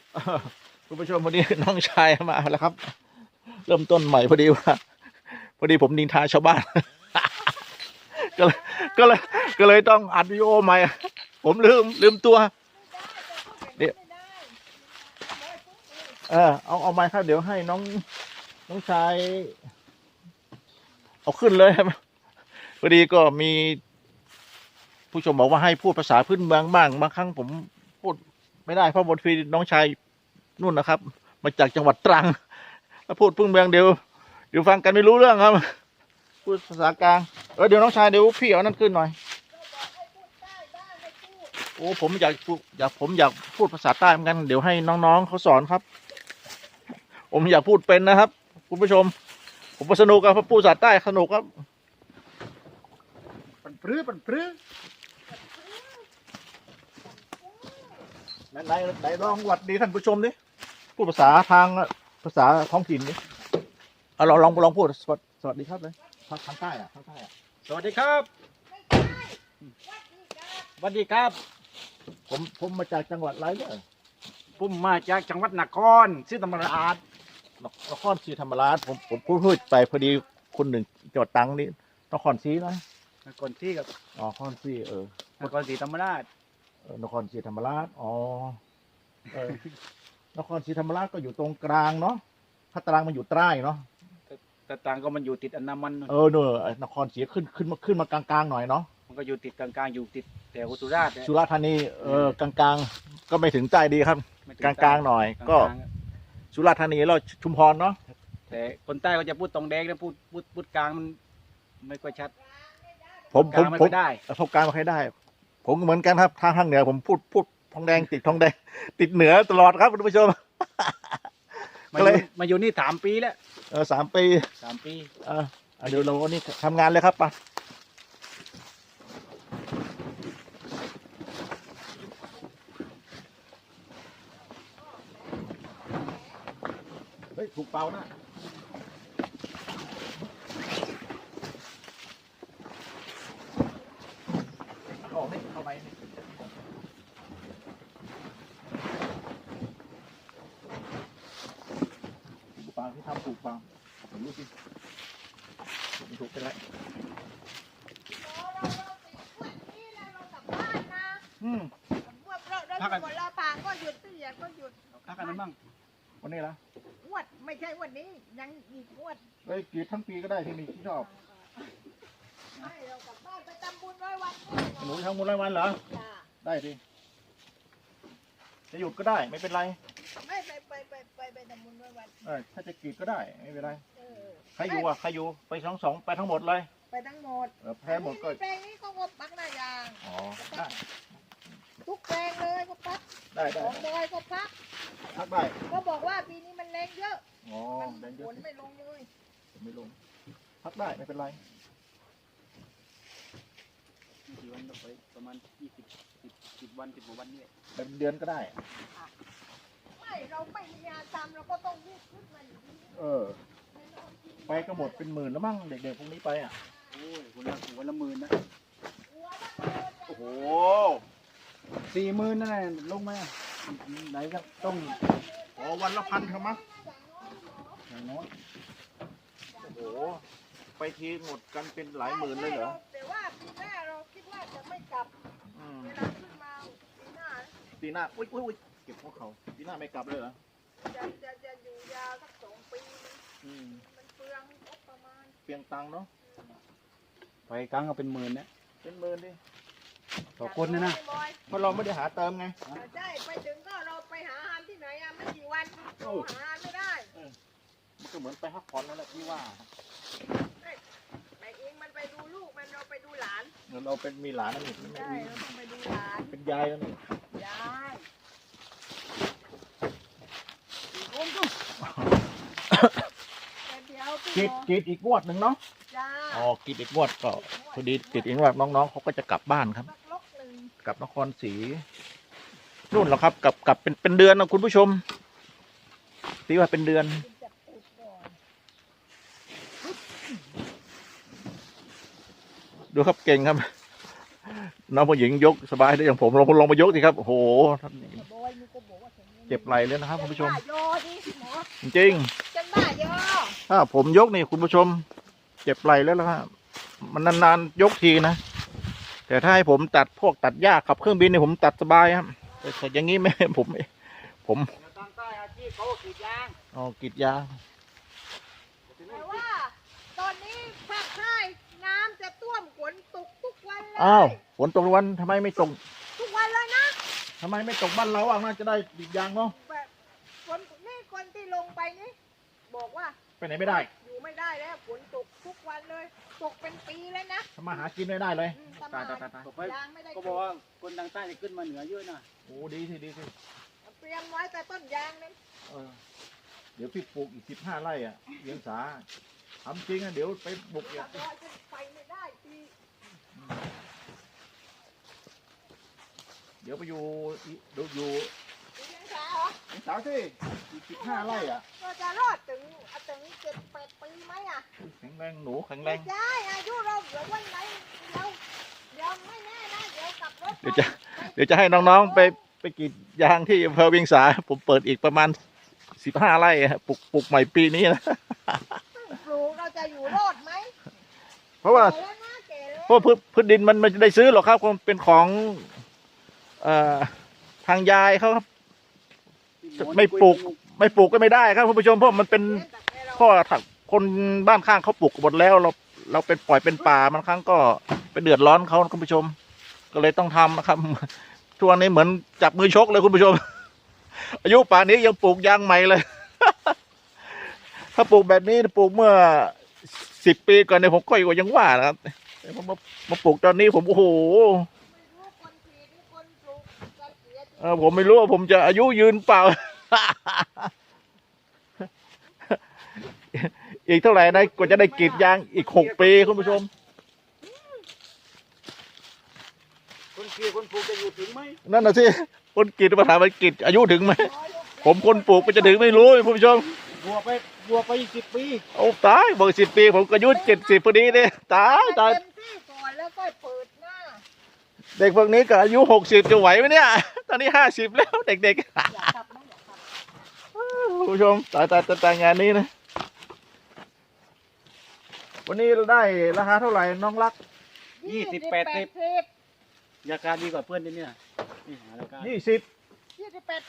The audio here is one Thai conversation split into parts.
คุณผู้ชมวันนี้น้องชายมาแล้วครับ เริ่มต้นใหม่พอดีว่าพอดีผมนินทาชาวบ้าน ก็เลยก็เลยก็เลยต้องอัดวิดีโอใหม่ผมลืมตัวเดี๋ยวเอาไม้ครับเดี๋ยวให้น้องชายเอาขึ้นเลยครับพอดีก็มีผู้ชมบอกว่าให้พูดภาษาพื้นเมืองบ้างบางครั้งผมพูดไม่ได้เพราะบทฟีน้องชายนู่นนะครับ มาจากจังหวัดตรังถ้าพูดพื้นเมืองเดี๋ยวฟังกันไม่รู้เรื่องครับพูดภาษากลางเดี๋ยวน้องชายเดี๋ยวพี่เอานั่นขึ้นหน่อยโอ้ผมอยากพูดภาษาใต้เหมือนกันเดี๋ยวให้น้องๆเขาสอนครับผมอยากพูดเป็นนะครับคุณผู้ชมผมสนุกครับพูดภาษาใต้สนุกครับปันปรื้อไหนลองหวัดดีท่านผู้ชมดิพูดภาษาภาษาท้องถิ่นดิเอาลองพูดสวัสดีครับเลยทางใต้ทางใต้สวัสดีครับสวัสดีครับผมมาจากจังหวัดอะไรเนี่ยผมมาจากจังหวัดนครศรีธรรมราชนครศรีธรรมราชผมพูดไปพอดีคนหนึ่งจังหวัดตรังนี่นครศรีนะนครศรีกับนครศรีนครศรีธรรมราชนครศรีธรรมราชนครศรีธรรมราชก็อยู่ตรงกลางเนาะถ้าตรังมันอยู่ใต้เนาะแต่ต่างก็มันอยู่ติดอันดามันเนอะนครศรีขึ้นมากลางๆหน่อยเนาะมันก็อยู่ติดกลางๆอยู่ติดแต่สุราษฎร์สุราษฎร์ธานีกลางๆก็ไม่ถึงใต้ดีครับกลางๆหน่อยก็สุราษฎร์ธานีเราชุมพรเนาะแต่คนใต้ก็จะพูดตรงแดงนะพูดกลางมันไม่ค่อยชัดผมไม่ได้พบกลางไม่ค่อยได้ผมเหมือนกันครับทางเหนือผมพูดทองแดงติดทองแดงติดเหนือตลอดครับคุณผู้ชมมาอยู่นี่3 ปีแล้ว 3 ปี 3 ปีเดี๋ยวเรานี่ทำงานเลยครับป่ะเฮ้ยถูกเป่านะออกนี่เข้าไปนี่ถูกเป่าที่ทำถูกเป่าผมรู้สิผมถูกไปแล้วพักกันหมดแล้วปางก็หยุดตู้เย็นก็หยุดพักกันบ้างวันนี้ละงวดไม่ใช่วันนี้ยังอีกงวดกรีดทั้งปีก็ได้ที่มีที่ชอบไม่เรากลับบ้านไปทำบุญ100 วันหนูทำบุญ100 วันเหรอได้ดิจะหยุดก็ได้ไม่เป็นไรไม่ไปทำบุญ100 วันถ้าจะกรีดก็ได้ไม่เป็นไรใครอยู่ไปสองไปทั้งหมดเลยไปทั้งหมดแพ้หมดก็แปลงนี้เขาก็ปักหน้ายางได้ทุกแปลงเลยก็ปักได้ของบอยก็พักได้ก็บอกว่าปีนี้มันแรงเยอะมันฝนไม่ลงเลยไม่ลงพักได้ไม่เป็นไรกี่วันไปประมาณ10 วัน10 กว่าวันนี่เป็นเดือนก็ได้ไม่เราไม่มีงานทำเราก็ต้องรีบขึ้นมาอยู่ดีไปก็หมดเป็น10,000แล้วมั้งเด็กๆพวกนี้ไปโอ้ยวันละ10,000นะโอ้โห 40,000นั่นแหละลงไหมไหนก็ต้องวันละ1,000ครับมั้งอย่างน้อยโอ้โหไปทีหมดกันเป็นหลายหมื่นเลยเหรอแต่ว่าปีหน้าเราคิดว่าจะไม่กลับเวลาขึ้นมาปีหน้าอุ้ยเก็บพวกเขาปีหน้าไม่กลับเลยเหรอจะอยู่ยาวสัก2 ปีมันเปลืองประมาณเปลืองตังค์เนาะไปครั้งก็เป็น10,000นะเป็น10,000ดิต่อคนนะเพราะเราไม่ได้หาเติมไงใช่ไปถึงก็เราไปหาอาหารที่ไหนไม่กี่วันหาอาหารไม่ได้มันก็เหมือนไปพักผ่อนนั่นแหละที่ว่าไปเองมันไปดูลูกมันเราไปดูหลานเราเป็นมีหลานนั่นเองใช่เราต้องไปดูหลานเป็นยายนั่นเองยายกรีดอีกงวดหนึ่งเนาะกรีดอีกงวดก็พอดีกรีดอีกงวดน้องๆเขาก็จะกลับบ้านครับกลับนครศรีนู่นหรอครับกลับเป็นเดือนนะคุณผู้ชมตีว่าเป็นเดือนดูครับเก่งครับน้องผู้หญิงยกสบายได้อย่างผมลองมายกสิครับโอ้โหเจ็บไหล่เลยนะครับคุณผู้ชมบ้าโยดิหมอจริงจะบ้าโยถ้าผมยกนี่คุณผู้ชม เจ็บไหล่แล้วครับมันนานๆยกทีนะแต่ถ้าให้ผมตัดพวกตัดหญ้าขับเครื่องบินนี่ผมตัดสบายครับแต่อย่างนี้ไม่ผมทางใต้อาชีพเขากรีดยางอ๋อกรีดยางแต่ว่า ตอนนี้ภาคใต้น้ำจะท่วมฝนตกทุกวันเลยอ้าวฝนตกทุกวันทำไมไม่ตกทุกวันเลยนะทำไมไม่ตกบ้านเราอ่ะน่าจะได้กรีดยางเนาะแบบฝนนี่คนที่ลงไปนี่บอกว่าไปไหนไม่ได้อยู่ไม่ได้แล้วฝนตกทุกวันเลย ตกเป็นปีแล้วนะทำมาหากินไม่ได้เลยทำมาตายบอกไปยางไม่ได้ก็บอกว่าคนทางใต้จะขึ้นมาเหนือเยอะนะโอ้ดีสิดีสิเตรียมไว้แต่ต้นยางนั้นเออเดี๋ยวพี่ปลูกอีก15 ไร่อ่ะเลี้ยงสาทำจริงอ่ะเดี๋ยวไปบุกอีกลอยจนไปไม่ได้ปีเดี๋ยวไปอยู่ดูอยู่ปียังสาเหรอเลี้ยงสาสิอีก15 ไร่อ่ะก็จะรอดถึง7-8 ปีไหมอ่ะแข็งแรงหนูแข็งแรไม่งใช่อายุเราเดี๋ยววันไหนเรายังไม่แน่นะเดี๋ยวกลับรถเดี๋ยวจะให้น้องๆไปกรีดยางที่อำเภอเวียงสาผมเปิดอีกประมาณ15 ไร่อะปลูกใหม่ปีนี้นะปลูกเราจะอยู่รอดไหมเพราะว่าแก่แล้วนะแก่แล้วเพราะพืชดินมันไม่ได้ซื้อหรอกครับคงเป็นของทางยายเขาครับ ไม่ปลูกก็ไม่ได้ครับคุณผู้ชมเพราะมันเป็นพ่อถักคนบ้านข้างเขาปลูกหมดแล้วเราเป็นปล่อยเป็นป่าบางครั้งก็ไปเดือดร้อนเขาคุณผู้ชม ก็เลยต้องทำนะครับทุกวันนี้เหมือนจับมือชกเลยคุณผู้ชม อายุป่านนี้ยังปลูกยางใหม่เลย ถ้าปลูกแบบนี้ปลูกเมื่อ10 ปีก่อนเนี่ยผมก็ยังว่านะครับแต่ผมมาปลูกตอนนี้ผมโอ้โหไม่รู้คนผีหรือคนปลูกจะเสียจริงผมไม่รู้ว่าผมจะอายุยืนเปล่า อีกเท่าไหร่นะกว่าจะได้กรีดยางอีก6 ปีคุณผู้ชมคนกรีดคนปลูกจะอยู่ถึงไหมนั่นน่ะสิคนกรีดมาถามว่ากรีดอายุถึงไหมผมคนปลูกมันจะถึงไม่รู้คุณผู้ชมบัวไป10 ปีโอ้ตายบอก10 ปีผมก็อายุ70พอดีเนี่ยตายตายเต็มที่ก่อนแล้วก็เปิดหน้าเด็กพวกนี้ก็อายุ60จะไหวไหมเนี่ย ตอนนี้50แล้วเด็กอยากกลับไหมอยากกลับๆคุณผู้ชมตายงานนี้นะวันนี้เราได้ราคาเท่าไหร่น้องรักราคาดีกว่าเพื่อนที่นี่นะนี่หาราคา 20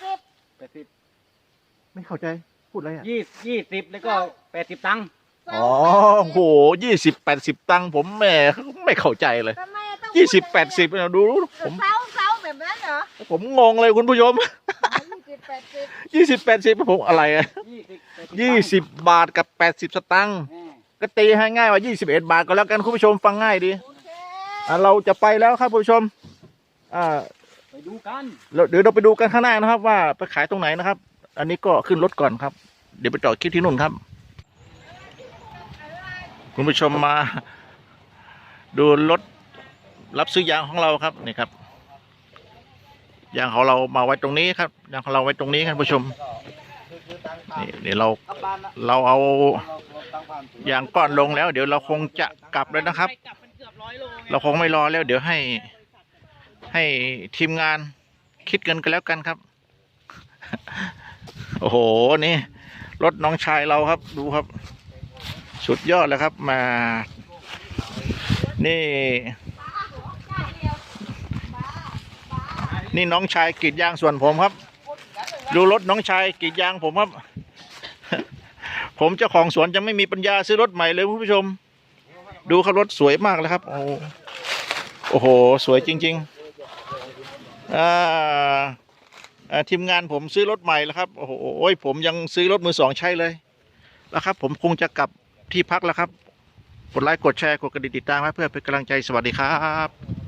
80 ไม่เข้าใจพูดอะไรอ่ะ 20แล้วก็80 ตังค์อ๋อโห20-80 ตังค์ผมแหม่ไม่เข้าใจเลยทำไมต้อง 20-80เนี่ยดูผมเซาแบบนั้นเหรอผมงงเลยคุณผู้ชม 20-80ผมอะไรอ่ะ 20 20 บาทกับ80 สตังค์ก็ตีให้ง่ายว่า21 บาทก็แล้วกันคุณผู้ชมฟังง่ายดีโอเคเราจะไปแล้วครับคุณผู้ชมไปดูกันเดี๋ยวเราไปดูกันข้างหน้านะครับ ว่าไปขายตรงไหนนะครับ อันนี้ก็ขึ้นรถก่อนครับ เดี๋ยวไปจอดคลิปที่นู่นครับ คุณผู้ชมมาดูรถรับซื้อยางของเราครับนี่ครับยางของเรามาไว้ตรงนี้ครับยางของเราไว้ตรงนี้ครับคุณผู้ชมนี่เดี๋ยวเราเอายางก้อนลงแล้ว เดี๋ยวเราคงจะกลับแล้วนะครับ เราคงไม่รอแล้วเดี๋ยวให้ทีมงานคิดกันแล้วกันครับ โอ้โหนี่รถน้องชายเราครับดูครับ สุดยอดเลยครับมานี่น้องชายกรีดยางส่วนผมครับ ดูรถน้องชายกรีดยางผมครับ ผมเจ้าของสวนยังไม่มีปัญญาซื้อรถใหม่เลยคุณผู้ชม ดูครับรถสวยมากเลยครับโอ้โหสวยจริงๆทีมงานผมซื้อรถใหม่แล้วครับโอ้โหผมยังซื้อรถมือ 2ใช้เลยแล้วครับผมคงจะกลับที่พักแล้วครับกดไลค์กดแชร์กดกระดิ่งติดตามเพื่อเป็นกำลังใจสวัสดีครับ